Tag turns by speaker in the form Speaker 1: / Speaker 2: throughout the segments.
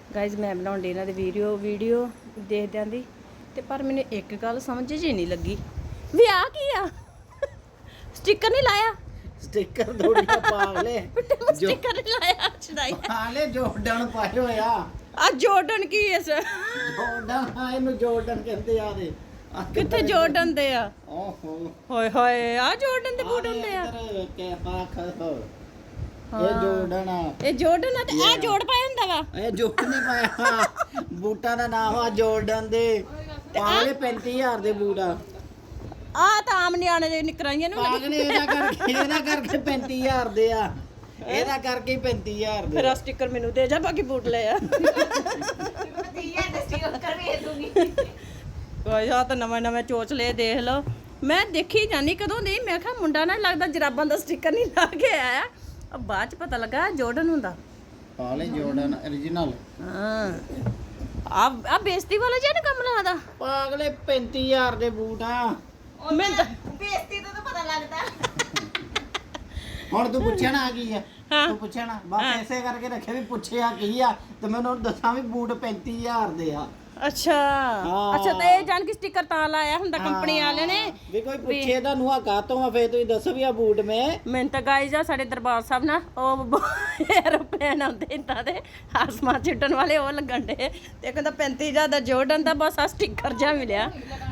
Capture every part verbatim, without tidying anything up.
Speaker 1: Guys ਮੈਂ ਬਣਾਉਂਦੀ ਇਹਨਾਂ ਦੀ ਵੀਡੀਓ ਵੀਡੀਓ ਦੇਖਦਿਆਂ ਦੀ ਤੇ ਪਰ ਮੈਨੂੰ ਇੱਕ ਗੱਲ ਸਮਝ ਜੀ ਨਹੀਂ ਲੱਗੀ ਵੀ ਆ ਕੀ ਆ ਸਟicker ਨਹੀਂ ਲਾਇਆ
Speaker 2: ਸਟicker ਥੋੜੀਆਂ ਪਾਗਲੇ
Speaker 1: ਸਟicker ਨਹੀਂ ਲਾਇਆ ਛਦਾਈ
Speaker 2: ਹਾਲੇ ਜੋਰਡਨ ਪਾਏ ਹੋਇਆ
Speaker 1: ਆ ਜੋਰਡਨ ਕੀ ਇਸ
Speaker 2: ਜੋਰਡਨ ਇਹਨੂੰ ਜੋਰਡਨ ਕਹਿੰਦੇ ਆ ਦੇ
Speaker 1: ਕਿੱਥੇ ਜੋਰਡਨ ਦੇ ਆ
Speaker 2: ਓਹੋ
Speaker 1: ਹੋਏ ਹੋਏ ਆ ਜੋਰਡਨ ਦੇ ਬੂਟ ਹੁੰਦੇ ਆ
Speaker 2: ਇੱਧਰ ਕੇ ਪਾਖ ਇਹ ਜੋਰਡਨ ਆ
Speaker 1: ਇਹ ਜੋਰਡਨ ਆ ਤੇ ਆ ਜੋੜ ਪਾਇਆ ਹੁੰਦਾ ਵਾ
Speaker 2: ਇਹ ਜੋੜ ਨਹੀਂ ਪਾਇਆ ਬੂਟਾਂ ਦਾ ਨਾਮ ਆ ਜੋਰਡਨ ਦੇ ਪਾਗਲੇ ਪੈਂਤੀ ਹਜ਼ਾਰ ਦੇ ਬੂਟ ਆ
Speaker 1: ਆ ਤਾਂ ਆਮ ਨਿਆਣੇ ਦੇ ਨਿਕਰਾਈਆਂ ਨੂੰ
Speaker 2: ਪਾਗਲੇ ਇਹਦਾ ਕਰਕੇ ਇਹਦਾ ਕਰਕੇ ਪੈਂਤੀ ਹਜ਼ਾਰ ਦੇ ਆ ਇਹਦਾ ਕਰਕੇ ਹੀ ਪੈਂਤੀ ਹਜ਼ਾਰ ਦੇ
Speaker 1: ਫਿਰ ਆ ਸਟicker ਮੈਨੂੰ ਦੇ ਜਾ ਬਾਕੀ ਬੂਟ ਲੈ ਆ ਕੋਈ ਆ ਤਾਂ ਨਵੇਂ ਨਵੇਂ ਚੋਚਲੇ ਦੇਖ ਲਓ ਮੈਂ ਦੇਖੀ ਜਾਨੀ ਕਦੋਂ ਦੀ ਮੈਂ ਕਿਹਾ ਮੁੰਡਾ ਨਾ ਲੱਗਦਾ ਜਰਾਬਾਂ ਦਾ ਸਟicker ਨਹੀਂ ਲਾ ਕੇ ਆਇਆ ਆ ਬਾਅਦ ਚ ਪਤਾ ਲੱਗਾ ਜੋਰਡਨ ਹੁੰਦਾ
Speaker 2: ਪਾਗਲੇ ਜੋਰਡਨ origignal
Speaker 1: ਹਾਂ ਆ ਆ ਬੇਇੱਜ਼ਤੀ ਵਾਲਾ ਜਿਹਾ ਨਾ ਕੰਮ ਲਾਦਾ
Speaker 2: ਪਾਗਲੇ ਪੈਂਤੀ ਹਜ਼ਾਰ ਦੇ ਬੂਟ ਆ
Speaker 1: ਮੈਂ ਤਾਂ
Speaker 3: ਬੇਇੱਜ਼ਤੀ ਤੋਂ ਤਾਂ ਪਤਾ ਲੱਗਦਾ
Speaker 2: ਹੁਣ ਤੂੰ ਪੁੱਛਿਆ ਨਾ ਆ ਕੀ ਆ
Speaker 1: ਹਾਂ।
Speaker 2: ਤੂੰ ਪੁੱਛਿਆ ਨਾ ਬਸ ਐਸੇ ਕਰਕੇ ਰੱਖਿਆ ਵੀ ਪੁੱਛਿਆ ਕੀ ਆ ਤੇ ਮੈਨੂੰ ਹੁਣ ਦੱਸਾਂ ਵੀ ਬੂਟ ਪੈਂਤੀ ਹਜ਼ਾਰ ਦੇ ਆ
Speaker 1: ਅੱਛਾ
Speaker 2: ਹਾਂ।
Speaker 1: ਅੱਛਾ ਤੇ ਇਹ ਜਾਣ ਕੇ ਸਟicker ਤਾਂ ਲਾਇਆ ਹੁੰਦਾ ਕੰਪਨੀ ਵਾਲਿਆਂ ਨੇ
Speaker 2: ਵੀ ਕੋਈ ਪੁੱਛੇ ਤੁਹਾਨੂੰ ਆ ਕਾਤੋਂ ਆ ਫੇਰ ਤੁਸੀਂ ਦੱਸੋ ਵੀ ਆ ਬੂਟ ਮੈਂ
Speaker 1: ਮੈਨੂੰ ਤਾਂ ਗਾਇਜ਼ ਆ ਸਾਡੇ ਦਰਬਾਰ ਸਾਹਿਬ ਨਾ ਉਹ ਐਰੋਪਲੇਨ ਆਉਂਦੇ ਇੰਦਾ ਦੇ ਆਸਮਾਨ ਚ ਉੱਡਣ ਵਾਲੇ ਉਹ ਲੱਗਣ ਦੇ ਤੇ ਕਹਿੰਦਾ ਪੈਂਤੀ ਹਜ਼ਾਰ ਦਾ ਜੋਰਡਨ ਦਾ ਬਸ ਆ ਸਟicker ਜਾ ਮਿਲਿਆ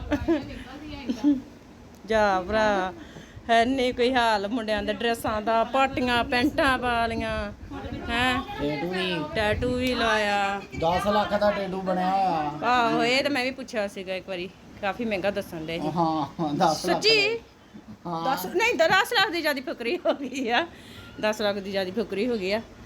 Speaker 1: ਜਾ ਭਰਾ ਹੈ ਨਹੀਂ ਕੋਈ ਹਾਲ ਮੁੰਡਿਆਂ ਦੇ ਡਰੈਸਾਂ ਦਾ ਪਾਟੀਆਂ ਪੈਂਟਾਂ ਪਾ ਲੀਆਂ ਹੈ
Speaker 2: ਟੈਟੂ ਵੀ
Speaker 1: ਟੈਟੂ ਵੀ ਲਾਇਆ
Speaker 2: ਦਸ ਲੱਖ ਦਾ ਟੈਟੂ ਬਣਿਆ ਹੋਇਆ
Speaker 1: ਆਹੋ ਇਹ ਤਾਂ ਮੈਂ ਵੀ ਪੁੱਛਿਆ ਸੀਗਾ ਇੱਕ ਵਾਰੀ ਕਾਫੀ ਮਹਿੰਗਾ ਦੱਸਣ ਦੇ
Speaker 2: ਹਾਂ ਦਸ ਲੱਖ
Speaker 1: ਸੱਚੀ
Speaker 2: ਹਾਂ
Speaker 1: ਦਸ ਨਹੀਂ ਦਸ ਲੱਖ ਦੀ ਜਿਆਦੀ ਫੁਕਰੀ ਹੋ ਗਈ ਆ ਦਸ ਲੱਖ ਦੀ ਜਿਆਦੀ ਫੁਕਰੀ ਹੋ ਗਈ ਆ